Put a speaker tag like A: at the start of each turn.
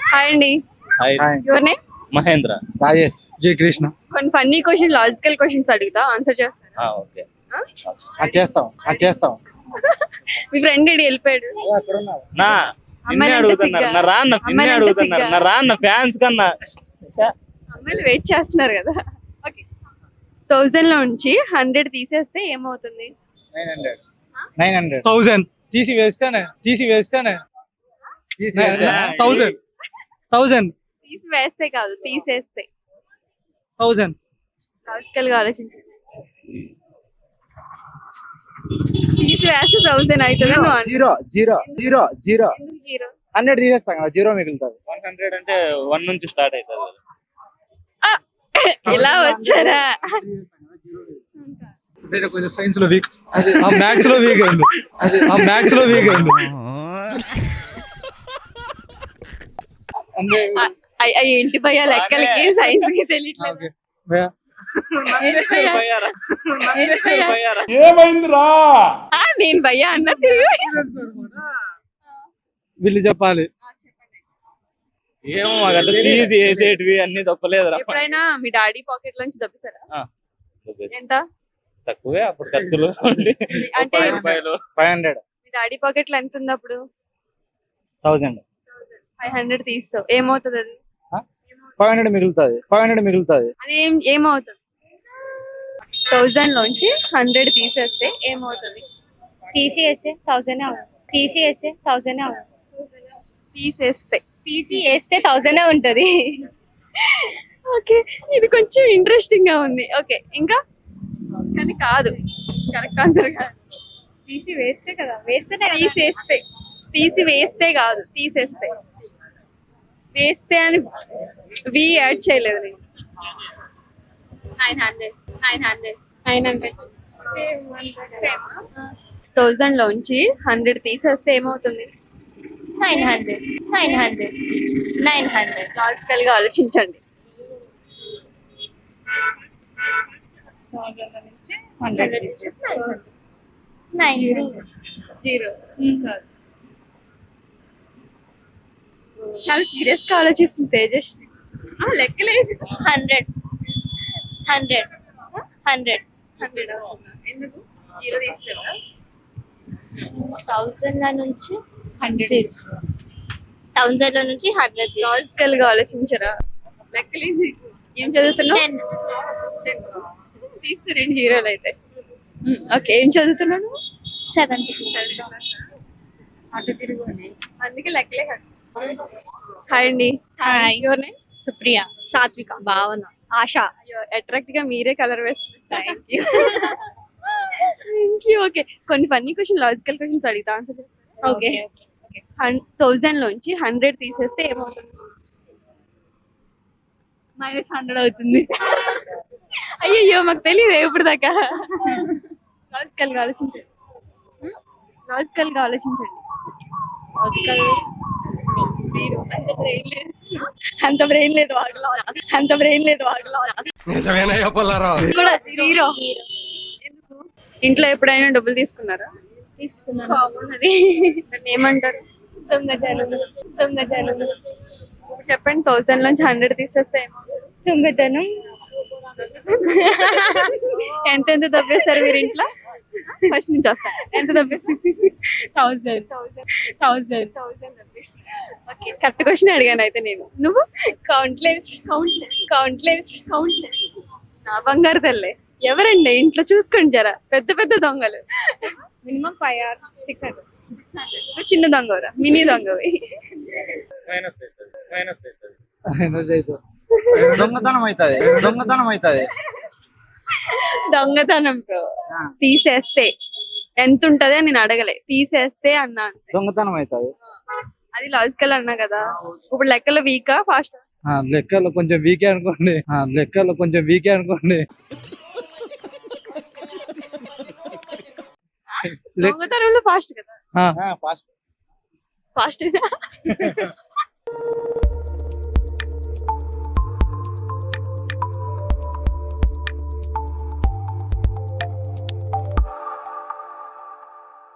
A: Hi అండి.
B: Hi
A: your name?
B: Mahendra.
C: Rajesh Jai Krishna.
A: కొన్ని funny question, logical questions అడుగుతా, ఆన్సర్ చేస్తారా?
B: ఓకే.
C: చేస్తాం.
A: మీ ఫ్రెండ్ ఇడి వెళ్ళిపోయాడు.
B: నా నిన్నే
A: అమ్మాయిలంటే
B: అడుగుతున్నారు.
A: సిగ్గా?
B: నా రాన్న నిన్నే
A: అమ్మాయిలంటే
B: అడుగుతున్నారు.
A: సిగ్గా?
B: నా రాన్న ఫ్యాన్స్ కన్నా
A: అమ్మాయిలు వెయిట్ చేస్తున్నారు కదా. ఓకే, 1000 లో నుంచి 100 తీసేస్తే ఏమవుతుంది?
C: 900
D: 1000 తీసి వేస్తేనే 1000
A: తీసివేస్తే కాదు, తీసేస్తే.
D: 1000
A: లాజికల్ గా ఆలోచించండి. తీసివేస్తే 1000 అవుతుంది.
C: జీరో జీరో జీరో జీరో
A: ఎందుకు జీరో?
C: 100 తీసేస్తాం కదా, జీరో మిగులుతుంది.
B: 100 అంటే 1 నుంచి స్టార్ట్ అవుతుంది.
A: ఎలా వచ్చారా?
D: అంటే కొంచెం సైన్స్ లో వీక్, అది ఆ మ్యాథ్స్ లో వీక్ అయింది. అంటే
A: ఏంటి భయ్యా, లెక్కలకి సైన్స్ కి తెలియట్లేదు.
D: భయ్యా,
A: ఏంటి భయ్యా? నేను భయ్యా అన్న తిరిగి.
D: వీళ్ళు చెప్పాలి.
B: ఏమో మాకు అట్లా తీసి వేసేటివి అన్ని తప్పలేదురా.
A: ఎప్పుడైనా మీ డాడీ పాకెట్ లోంచి దబ్బిసారా? ఎంత?
B: తక్కువే అప్పుడు ఖర్చులు.
A: అంటే
C: 500
A: మీ డాడీ పాకెట్ లో ఎంత ఉంది అప్పుడు?
C: 1000
A: 500 తీస్తావు, ఏమవుతుంది అది?
C: 500 మిగులుతుంది.
A: అది ఏమవుతుంది? 1000 లోంచి 100 తీసేస్తే ఏమవుతుంది?
E: తీసివేస్తే 1000 తీసివేస్తే 1000 ఉంటది.
A: ఓకే, ఇది కొంచెం ఇంట్రెస్టింగ్ గా ఉంది. ఓకే, ఇంకా కానీ కాదు, కరెక్ట్ ఆన్సర్ కాదు.
E: తీసివేస్తే కదా,
A: తీసివేస్తే కాదు, తీసేస్తే. వేస్తే అని వి యాడ్ చేయలేదు నేను.
E: 900
A: 1000 లోంచి 100 తీసేస్తే ఏమవుతుంది?
E: 900
A: లాజికల్ గా ఆలోచించండి. 0 చాలా సీరియస్ గా ఆలోచిస్తుంది తేజస్వి. లెక్కలేదు.
E: 100
A: 100 అవుతుందా? ఎందుకు 0 తీస్తావా?
E: 1000 నుంచి 100
A: లాజికల్ గా ఆలోచించరా? లెక్కలేదు. ఏం చదువుతున్నావు? 10 తీస్తే 2 జీరోలు అయితే. ఓకే, ఏం చదువుతున్నాను?
E: 7th
A: అటు తిరుగు, అందుకే లెక్కలే కదా. హాయ్ అండి.
E: హాయ్.
A: Your name?
E: సుప్రియ,
A: సాత్విక,
E: భావన,
A: ఆశ. అట్రాక్ట్ గా మీరే కలర్ వేస్తున్నారు. Thank you. ఓకే, కొన్ని ఫన్నీ క్వశ్చన్, లాజికల్ క్వశ్చన్స్ అడిగితే ఆన్సర్ చేస్తారా?
E: ఓకే.
A: 1000 లోంచి 100 తీసేస్తే ఏమవుతుంది? -100 అవుతుంది. అయ్యయ్యో, మాకు తెలియదు ఇప్పుడు దాకా. లాజికల్ గా ఆలోచించండి. అంత బ్రెయిన్ లేదు వాగులో. ఎందుకు? ఇంట్లో ఎప్పుడైనా డబ్బులు తీసుకున్నారా?
E: తీసుకున్నాను.
A: అది దాన్ని ఏమంటారు?
E: దొంగతనం.
A: ఇప్పుడు చెప్పండి, 1000 నుంచి 100 తీసేస్తే ఏమవుతుంది?
E: దొంగతనం.
A: ఎంత దబ్బేస్తారు మీరు ఇంట్లో? ఫస్ట్ నుంచి వస్తా. ఎంత దబ్బేస్తారు?
E: 1000
A: ఓకే, కరెక్ట్ క్వశ్చన్ అడిగాను అయితే నేను. నువ్వు?
E: కౌంట్లెస్.
A: నా బంగారు తల్లే. ఎవరండి ఇంట్లో? చూసుకోండి జరా, పెద్ద పెద్ద దొంగలు.
E: Minimum 5 or 600.
A: నువ్వు చిన్న దొంగవరా? మినీ దొంగవి.
C: దొంగతనం అవుతుంది.
A: దొంగతనం బ్రో. తీసేస్తే ఎంత ఉంటది అని నేను అడగలే, తీసేస్తే అన్నా అంతే.
C: దొంగతనం అవుతుంది.
A: అది లాజికల్ అన్నా కదా. ఇప్పుడు లెక్కలు వీకా ఫాస్ట్?
D: లెక్కలో కొంచెం వీకే అనుకోండి.
A: దొంగతనంలో ఫాస్ట్ కదా.
C: Fast
A: fast